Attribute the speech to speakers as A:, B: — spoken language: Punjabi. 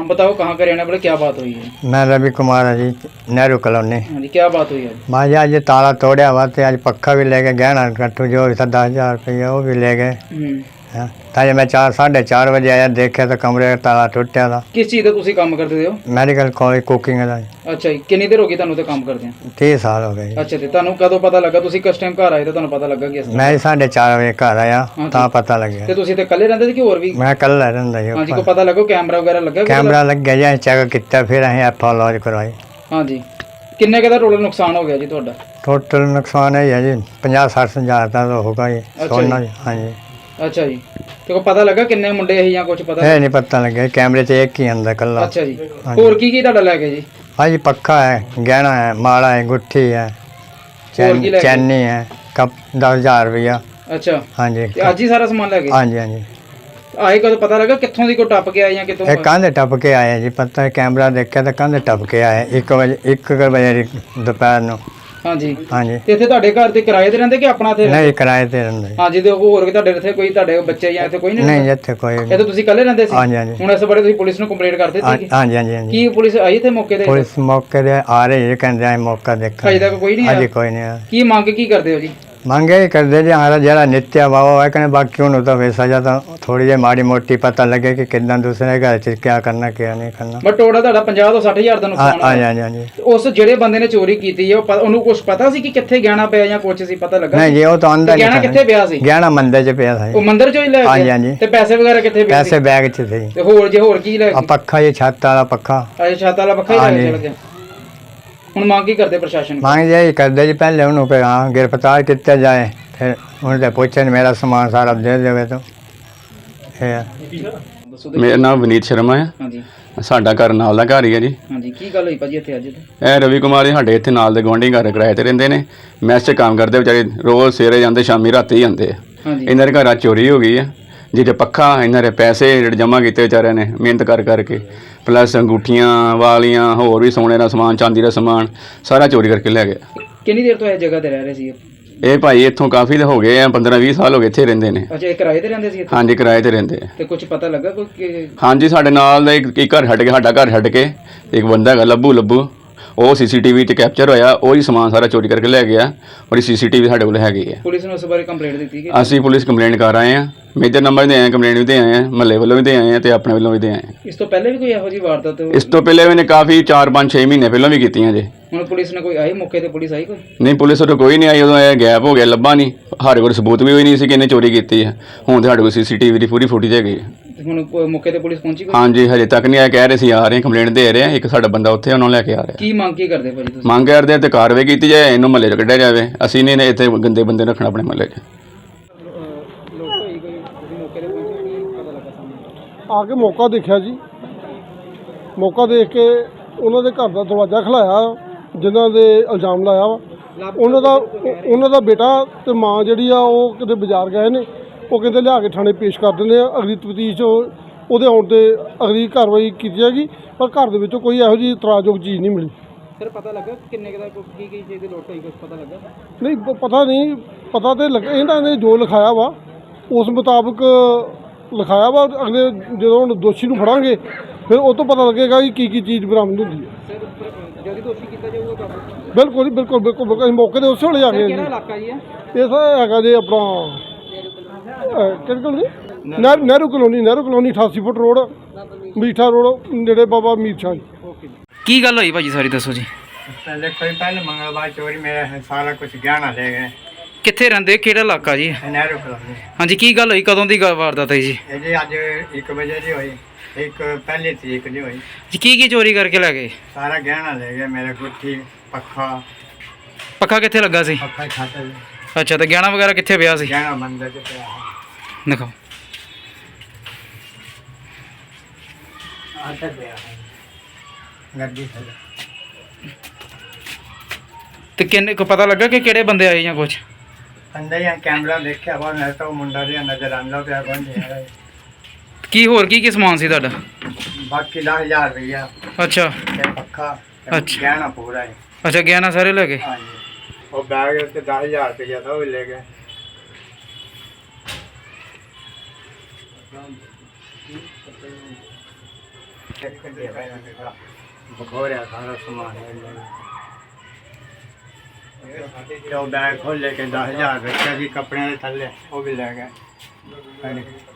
A: हाँ बताओ कहाँ का रहने वाले, क्या बात हुई है?
B: मैं रवि कुमार है जी, नेहरू कॉलोनी।
A: हाँ जी, क्या बात हुई है?
B: मैं जी आज ताला तोड़िया हुआ तो आज पक्खा भी ले गए, गहना कट्टू जो भी था 10,000 रुपये वो भी ले गए। ताजे मैं 4-4:30 बजे आया, देखा तो कमरे का ताला टुटिया था।
A: किस चीज़ का तुसी काम करते हो?
B: मैडिकल कॉलेज कुकिंग का।
A: अच्छा जी, कितनी देर हो गई ਤੁਹਾਨੂੰ ਤੇ ਕੰਮ ਕਰਦੇ ਆ?
B: 30 साल हो गए।
A: ਅੱਛਾ ਤੇ ਤੁਹਾਨੂੰ ਕਦੋਂ ਪਤਾ ਲੱਗਾ? ਤੁਸੀਂ ਕਿਸ ਟਾਈਮ ਘਰ ਆਏ ਤੇ ਤੁਹਾਨੂੰ ਪਤਾ ਲੱਗਾ ਕਿ ਇਸ
B: मैं 4:30 बजे घर आया ਤਾਂ पता लग
A: ਤੇ
B: गया।
A: ਤੁਸੀਂ ਤੇ ਇਕੱਲੇ ਰਹਿੰਦੇ ਸੀ ਕਿ ਹੋਰ ਵੀ?
B: मैं कल रहा जी।
A: ਹਾਂਜੀ, ਕੋਈ ਪਤਾ ਲੱਗਾ ਕੈਮਰਾ ਵਗੈਰਾ ਲੱਗਾ?
B: कैमरा लग गया जी, चेक किया फिर ਅਸੀਂ एफ लॉज करवाई।
A: ਹਾਂਜੀ, ਕਿੰਨੇ ਕੁ ਦਾ ਟੋਟਲ ਨੁਕਸਾਨ ਹੋ ਗਿਆ ਜੀ ਤੁਹਾਡਾ?
B: टोटल नुकसान है जी 50-60 हज़ार का तो होगा जी सोना जी। हाँ जी।
A: ਅੱਛਾ ਜੀ, ਤੇ ਕੋਈ ਪਤਾ ਲੱਗਾ ਕਿੰਨੇ ਮੁੰਡੇ ਸੀ ਜਾਂ ਕੁਝ ਪਤਾ?
B: ਇਹ ਨਹੀਂ ਪਤਾ ਲੱਗਿਆ, ਕੈਮਰੇ 'ਚ ਇੱਕ ਹੀ ਆਂਦਾ ਕੱਲਾ।
A: ਅੱਛਾ ਜੀ, ਹੋਰ ਕੀ ਤੁਹਾਡਾ ਲੈ ਗਏ ਜੀ?
B: हाँ जी, पक्का है, गहना है, माला है, गुट्ठी है, चैनी है, कप 10,000 रुपया।
A: ਅੱਛਾ
B: हाँ जी।
A: ਤੇ ਅੱਜ ਹੀ ਸਾਰਾ ਸਮਾਨ ਲੈ ਗਏ?
B: हाँ जी। हाँ जी।
A: ਆਏ ਕਦੋਂ ਪਤਾ ਲੱਗਾ ਕਿੱਥੋਂ ਦੀ ਕੋਈ ਟੱਪ ਕੇ ਆਏ ਜਾਂ ਕਿਤੋਂ?
B: एक कंध टप के आए जी, पता है कैमरा देखा तो कंध टप के आए 1 बजे दोपहर ਨੂੰ।
A: ਹਾਂਜੀ।
B: हाँ जी।
A: ਤੇ ਇੱਥੇ ਤੁਹਾਡੇ ਘਰ ਤੇ ਕਿਰਾਏ ਤੇ ਰਹਿੰਦੇ ਕਿ ਆਪਣਾ ਇੱਥੇ?
B: नहीं, किराए ते रहंदे।
A: ਹਾਂਜੀ, ਤੇ ਹੋਰ ਵੀ ਤੁਹਾਡੇ ਇੱਥੇ ਕੋਈ ਤੁਹਾਡੇ ਬੱਚੇ ਜਾਂ ਇੱਥੇ ਕੋਈ ਨਹੀਂ?
B: नहीं ਇੱਥੇ ਕੋਈ
A: ਇਹ ਤਾਂ ਤੁਸੀਂ ਇਕੱਲੇ ਰਹਿੰਦੇ ਸੀ?
B: हाँ जी। हाँ जी।
A: ਹੁਣ ਇਸ ਬਾਰੇ ਤੁਸੀਂ ਪੁਲਿਸ ਨੂੰ ਕੰਪਲੇਂਟ ਕਰ ਦਿੱਤੀ ਸੀ?
B: हाँ जी। हाँ जी। हाँ जी।
A: ਕੀ ਪੁਲਿਸ ਆਈ ਇੱਥੇ ਮੌਕੇ ਤੇ?
B: पुलिस मौके पे आ रही है, कहते हैं मौका देखा।
A: ਅਜੇ तक ਕੋਈ ਨਹੀਂ
B: हाँ
A: ਆਇਆ?
B: जी, कोई नहीं आया।
A: ਕੀ ਮੰਗ ਕੀ ਕਰਦੇ ਹੋ ਜੀ?
B: ਮੰਗੇ ਹੀ ਕਰਦੇ ਜੀ, ਹਮਾਰਾ ਜਿਹੜਾ ਨਿੱਤਿਆ ਵਾਵਾ ਹੈ ਕਹਿੰਦੇ, ਬਾਕੀ ਉਹਨੂੰ ਤਾਂ ਵੈਸਾ ਜਾਂ ਤਾਂ ਥੋੜੀ ਜਿਹੀ ਮਾੜੀ ਮੋਟੀ ਪਤਾ ਲੱਗੇ ਕਿ ਕਿੱਦਾਂ ਦੂਸਰੇ ਘਰ 'ਚ ਕੀ ਕਰਨਾ ਕੀ ਨਹੀਂ ਕਰਨਾ।
A: ਬਟ ਟੋਟਲ ਤੁਹਾਡਾ 50 ਤੋਂ 60,000 ਦਾ ਨੁਕਸਾਨ
B: ਹਾਂ
A: ਹੋਇਆ?
B: ਜੀ। ਹਾਂ ਜੀ।
A: ਉਸ ਜਿਹੜੇ ਬੰਦੇ ਨੇ ਚੋਰੀ ਕੀਤੀ ਹੈ ਉਹਨੂੰ ਕੁਝ ਪਤਾ ਸੀ ਕਿ ਕਿੱਥੇ ਗਹਿਣਾ ਪਿਆ ਜਾਂ ਕੁਝ ਸੀ ਪਤਾ ਲੱਗਾ?
B: ਨਹੀਂ ਜੀ, ਉਹ ਤਾਂ ਅੰਦਰ
A: ਗਹਿਣਾ ਕਿੱਥੇ ਪਿਆ ਸੀ?
B: ਗਹਿਣਾ ਮੰਦਰ 'ਚ ਪਿਆ ਸੀ।
A: ਉਹ ਮੰਦਰ 'ਚੋਂ ਹੀ ਲੈ
B: ਹਾਂ
A: ਗਿਆ?
B: ਜੀ। ਹਾਂ ਜੀ।
A: ਤੇ ਪੈਸੇ ਵਗੈਰਾ ਕਿੱਥੇ ਪਏ ਸੀ?
B: ਪੈਸੇ ਬੈਗ 'ਚ ਸੀ।
A: ਤੇ ਹੋਰ ਕੀ ਲੈ
B: ਆ
A: ਗਏ?
B: ਪੱਖਾ ਜੀ, ਛੱਤ ਵਾਲਾ ਪੱਖਾ।
A: ਅੱਛਾ, ਛੱਤ ਵਾਲਾ ਪੱਖਾ ਹੀ ਲੈ ਕੇ ਚਲ ਗਿਆ। ਹੁਣ ਮੰਗ ਕੀ ਕਰਦੇ ਪ੍ਰਸ਼ਾਸਨ?
B: ਮੰਗ ਜੀ ਕਰਦੇ ਜੀ, ਪਹਿਲੇ ਉਹਨੂੰ ਕਿ ਹਾਂ ਗ੍ਰਿਫਤਾਰ ਕੀਤਾ ਜਾਏ, ਫਿਰ ਉਹਨੇ ਤੇ ਪੁੱਛਣ ਮੇਰਾ ਸਮਾਨ ਸਾਰਾ ਦੇ ਦੇਵੇ ਤਾਂ ਇਹ।
C: ਮੇਰਾ ਨਾਮ ਵਿਨੀਤ ਸ਼ਰਮਾ ਹੈ।
A: ਹਾਂਜੀ।
C: ਸਾਡਾ ਘਰ ਨਾਲ ਦਾ ਘਰ ਹੀ ਹੈ ਜੀ।
A: ਹਾਂਜੀ, ਕੀ ਗੱਲ ਹੋਈ ਭਾਜੀ ਇੱਥੇ ਅੱਜ?
C: ਇਹ ਰਵੀ ਕੁਮਾਰ ਜੀ ਸਾਡੇ ਇੱਥੇ ਨਾਲ ਦੇ ਗੁਆਂਢੀ ਘਰ ਕਿਰਾਏ ਤੇ ਰਹਿੰਦੇ ਨੇ। ਮੈਸ 'ਚ ਕੰਮ ਕਰਦੇ ਵਿਚਾਰੇ, ਰੋਜ਼ ਸਵੇਰੇ ਜਾਂਦੇ, ਸ਼ਾਮੀ ਰਾਤੀ ਜਾਂਦੇ ਆ।
A: ਹਾਂਜੀ।
C: ਇਹਨਾਂ ਦੇ ਘਰਾਂ ਚੋਰੀ ਹੋ ਗਈ ਹੈ। ਜਿਹਦੇ ਪੱਖਾ, ਇਹਨਾਂ ਦੇ ਪੈਸੇ ਜਿਹੜੇ ਜਮ੍ਹਾਂ ਕੀਤੇ ਵਿਚਾਰਿਆਂ ਨੇ ਮਿਹਨਤ ਕਰਕੇ, ਪਲੱਸ ਅੰਗੂਠੀਆਂ ਵਾਲੀਆਂ, ਹੋਰ ਵੀ ਸੋਨੇ ਦਾ ਸਮਾਨ, ਚਾਂਦੀ ਦਾ ਸਮਾਨ ਸਾਰਾ ਚੋਰੀ ਕਰਕੇ ਲੈ ਗਿਆ।
A: ਕਿੰਨੀ ਦੇਰ ਤੋਂ ਇਹ ਜਗ੍ਹਾ ਤੇ ਰਹਿ ਰਹੇ ਸੀ?
C: ਇਹ ਭਾਈ ਇੱਥੋਂ ਕਾਫੀ ਹੋ ਗਏ ਆ, 15-20 ਸਾਲ ਹੋ ਗਏ ਇੱਥੇ ਰਹਿੰਦੇ ਨੇ।
A: ਅੱਛਾ, ਇਹ ਕਿਰਾਏ ਤੇ ਰਹਿੰਦੇ ਸੀ ਇੱਥੇ?
C: ਹਾਂਜੀ, ਕਿਰਾਏ ਤੇ ਰਹਿੰਦੇ ਆ।
A: ਤੇ ਕੁਝ ਪਤਾ ਲੱਗਾ ਕੋਈ?
C: ਹਾਂਜੀ, ਸਾਡੇ ਨਾਲ ਦਾ ਇੱਕ ਘਰ ਛੱਡ ਕੇ, ਸਾਡਾ ਘਰ ਛੱਡ ਕੇ ਇੱਕ ਬੰਦਾ ਹੈਗਾ ਲੱਭੂ, ਉਹ CCTV 'ਚ ਕੈਪਚਰ ਹੋਇਆ, ਉਹੀ ਸਮਾਨ ਸਾਰਾ ਚੋਰੀ ਕਰਕੇ ਲੈ ਗਿਆ। ਔਰ CCTV ਸਾਡੇ ਕੋਲ ਹੈਗੀ ਹੈ।
A: ਪੁਲਿਸ ਨੂੰ ਇਸ ਬਾਰੇ ਕੰਪਲੇਂਟ ਦਿੱਤੀ ਕਿ?
C: ਅਸੀਂ ਪੁਲਿਸ ਕੰਪਲੇਂਟ ਕਰ ਆਏ ਹਾਂ, ਮੇਜਰ ਨੰਬਰ ਦੇ ਆਏ, ਕੰਪਲੇਂਟ ਵੀ ਦੇ ਆਏ ਹਾਂ, ਮਹੱਲੇ ਵੱਲੋਂ ਵੀ ਦੇ ਆਏ ਹਾਂ ਤੇ ਆਪਣੇ ਵੱਲੋਂ ਵੀ ਦੇ ਆਏ ਹਾਂ।
A: ਇਸ ਤੋਂ ਪਹਿਲੇ ਵੀ ਕੋਈ ਇਹੋ ਜਿਹੀ ਵਾਰਦਾਤ?
C: ਇਸ ਤੋਂ ਪਹਿਲੇ ਵੀ ਨੇ ਕਾਫੀ 4-5-6 ਮਹੀਨੇ ਪਹਿਲਾਂ ਵੀ ਕੀਤੀਆਂ ਜੇ।
A: ਹੁਣ ਪੁਲਿਸ ਨੇ ਕੋਈ ਆਈ ਮੌਕੇ ਤੇ? ਪੁਲਿਸ ਆਈ ਕੋਈ?
C: ਨਹੀਂ, ਪੁਲਿਸ ਉਦੋਂ ਕੋਈ ਨਹੀਂ ਆਈ। ਉਦੋਂ ਇਹ ਗੈਪ ਹੋ ਗਿਆ, ਲੱਭਾ ਨਹੀਂ। ਸਾਡੇ ਕੋਲ ਸਬੂਤ ਵੀ ਹੋਈ ਨਹੀਂ ਸੀ ਕਿ ਇਹਨੇ ਚੋਰੀ ਕੀਤੀ ਹੈ। ਹੁਣ ਤੇ ਸਾਡੇ ਕੋਲ CCTV ਦੀ ਪੂਰੀ ਫੁਟੇਜ ਹੈਗੀ ਹੈ।
A: ਹੁਣ ਮੌਕੇ ਤੇ ਪੁਲਿਸ ਪਹੁੰਚੀ ਕੋਈ?
C: ਹਾਂਜੀ, ਹਜੇ ਤੱਕ ਨਹੀਂ ਆਇਆ। ਕਹਿ ਰਹੇ ਸੀ ਆ ਰਹੇ, ਕੰਪਲੇਂਟ ਦੇ ਰਹੇ ਆ। ਇੱਕ ਸਾਡਾ ਬੰਦਾ ਉੱਥੇ ਉਹਨਾਂ ਨੂੰ ਲੈ ਕੇ ਆ ਰਿਹਾ।
A: ਕੀ ਮੰਗ ਕੀ ਕਰਦੇ ਭਾਜੀ ਤੁਸੀਂ?
C: ਮੰਗ ਕਰਦੇ ਆ ਤੇ ਕਾਰਵਾਈ ਕੀਤੀ ਜਾਏ, ਇਹਨੂੰ ਮਹੱਲੇ 'ਚ ਕੱਢਿਆ ਜਾਵੇ। ਅਸੀਂ ਨਹੀਂ ਇੱਥੇ ਗੰਦੇ ਬੰਦੇ ਰੱਖਣਾ ਆਪਣੇ ਮਹੱਲੇ 'ਚ।
D: ਆ ਕੇ ਮੌਕਾ ਦੇਖਿਆ ਜੀ, ਮੌਕਾ ਦੇਖ ਕੇ ਉਹਨਾਂ ਦੇ ਘਰ ਦਾ ਦਰਵਾਜ਼ਾ ਖਲਾਇਆ, ਜਿਨ੍ਹਾਂ ਦੇ ਇਲਜ਼ਾਮ ਲਾਇਆ ਵਾ। ਉਹਨਾਂ ਦਾ ਬੇਟਾ ਤੇ ਮਾਂ ਜਿਹੜੀ ਆ ਉਹ ਕਿਤੇ ਬਾਜ਼ਾਰ ਗਏ ਨੇ। ਉਹ ਕਹਿੰਦੇ ਲਿਆ ਕੇ ਥਾਣੇ ਪੇਸ਼ ਕਰ ਦਿੰਦੇ ਆ, ਅਗਲੀ ਤਫਤੀਸ਼ ਉਹਦੇ ਆਉਣ 'ਤੇ ਅਗਲੀ ਕਾਰਵਾਈ ਕੀਤੀ ਜਾਏਗੀ। ਪਰ ਘਰ ਦੇ ਵਿੱਚੋਂ ਕੋਈ ਇਹੋ ਜਿਹੀ ਇਤਰਾਜ਼ਯੋਗ ਚੀਜ਼ ਨਹੀਂ ਮਿਲੀ।
A: ਸਰ ਪਤਾ ਲੱਗਾ ਕਿੰਨੇ ਕੁ ਦਾ ਕੀ ਚੀਜ਼ ਦੀ ਲੋਟ ਹੋਈ, ਕੁਝ ਪਤਾ ਲੱਗਾ?
D: ਨਹੀਂ, ਪਤਾ ਨਹੀਂ। ਪਤਾ ਤੇ ਲੱਗਾ, ਇਹਨਾਂ ਨੇ ਜੋ ਲਿਖਾਇਆ ਵਾ ਉਸ ਮੁਤਾਬਕ ਲਿਖਾਇਆ ਵਾ। ਅਗਲੇ ਜਦੋਂ ਹੁਣ ਦੋਸ਼ੀ ਨੂੰ ਫੜਾਂਗੇ ਫਿਰ ਉਹ ਤੋਂ ਪਤਾ ਲੱਗੇਗਾ ਕਿ ਕੀ ਚੀਜ਼ ਬਰਾਮਦ ਹੁੰਦੀ ਹੈ।
A: ਸਰ ਜਦੋਂ ਦੋਸ਼ੀ ਕੀਤਾ ਜਾਊਗਾ ਕਾਬੂ?
D: ਬਿਲਕੁਲ ਜੀ, ਬਿਲਕੁਲ। ਅਸੀਂ ਮੌਕੇ ਦੇ ਉਸੇ ਵੇਲੇ ਆ ਗਏ ਜੀ।
A: ਕਿਹੜਾ ਇਲਾਕਾ ਜੀ
D: ਇਹ ਸਰ ਹੈਗਾ ਜੀ ਆਪਣਾ ਕਿਹੜੀ colony? Nehru colony 88 foot road, Meetha road, ਨੇੜੇ ਬਾਬਾ ਮੀਰ ਸ਼ਾਹ ਜੀ।
A: ਓਕੇ। ਕੀ ਗੱਲ ਹੋਈ ਭਾਜੀ ਸਾਰੀ ਦੱਸੋ ਜੀ।
B: ਪਹਿਲੇ ਮੰਗਲਵਾਰ ਚੋਰੀ ਮੇਰਾ ਸਾਰਾ ਕੁਝ ਗਹਿਣਾ ਲੈ ਗਏ।
A: ਕਿੱਥੇ ਰਹਿੰਦੇ, ਕਿਹੜਾ ਇਲਾਕਾ ਜੀ?
B: ਨਹਿਰੂ ਕਲੋਨੀ।
A: ਹਾਂਜੀ, ਕੀ ਗੱਲ ਹੋਈ, ਕਦੋਂ ਦੀ ਵਾਰਦਾਤ ਹੈ ਜੀ?
B: ਇਹ ਜੀ ਅੱਜ 1 ਵਜੇ ਦੀ ਹੋਈ, ਇੱਕ ਪਹਿਲੀ ਤਰੀਕ ਦੀ ਹੋਈ
A: ਜੀ। ਕੀ ਚੋਰੀ ਕਰਕੇ ਲੈ ਗਏ?
B: ਸਾਰਾ ਗਹਿਣਾ ਲੈ ਗਏ, ਮੇਰੇ ਗੁੱਠੀ,
A: ਪੱਖਾ ਕਿੱਥੇ ਲੱਗਾ ਸੀ?
B: ਪੱਖਾ ਛੱਤ।
A: ਅੱਛਾ, ਤੇ ਗਹਿਣਾ ਵਗੈਰਾ ਕਿੱਥੇ ਪਿਆ ਸੀ?
B: ਗਹਿਣਾ ਮੰਦਰ 'ਚ ਪਿਆ
A: ਦਿਖਾਓ।
B: ਆਟਾ ਪਿਆ ਗੱਡੀ ਥੱਲੇ।
A: ਤੇ ਕਿੰਨੇ ਕੋ ਪਤਾ ਲੱਗਾ ਕਿ ਕਿਹੜੇ ਬੰਦੇ ਆਏ ਜਾਂ ਕੁਝ?
B: ਅੰਦਰ ਹੀ ਕੈਮਰਾ ਦੇਖਿਆ ਵਾ, ਮੈਂ ਤਾਂ ਮੁੰਡਾ ਜਿਹਾ ਨਜ਼ਰ ਆਉਂਦਾ ਪਿਆ। ਬੰਦੇ
A: ਕੀ ਹੋਰ ਕੀ ਸਮਾਨ ਸੀ ਤੁਹਾਡਾ?
B: ਬਾਕੀ 10,000 ਰੁਪਇਆ
A: ਅੱਛਾ।
B: ਤੇ ਪੱਖਾ,
A: ਅੱਛਾ।
B: ਗਹਿਣਾ ਪੂਰਾ ਹੈ।
A: ਅੱਛਾ, ਗਹਿਣਾ ਸਾਰੇ ਲੈ ਗਏ?
B: ਹਾਂਜੀ, ਉਹ ਬੈਗ ਤੇ 10,000 ਰੁਪਇਆ ਤਾਂ ਉਹ ਵੀ ਲੈ ਗਏ। ਬਖੋਰਿਆ ਸਾਰਾ ਸਮਾਨ ਤੇ ਉਹ ਬੈਗ ਖੋਲ ਲੈ ਕੇ 10,000 ਰੱਖਿਆ ਸੀ ਕੱਪੜਿਆਂ ਦੇ ਥੱਲੇ, ਉਹ ਵੀ ਲੈ ਗਏ।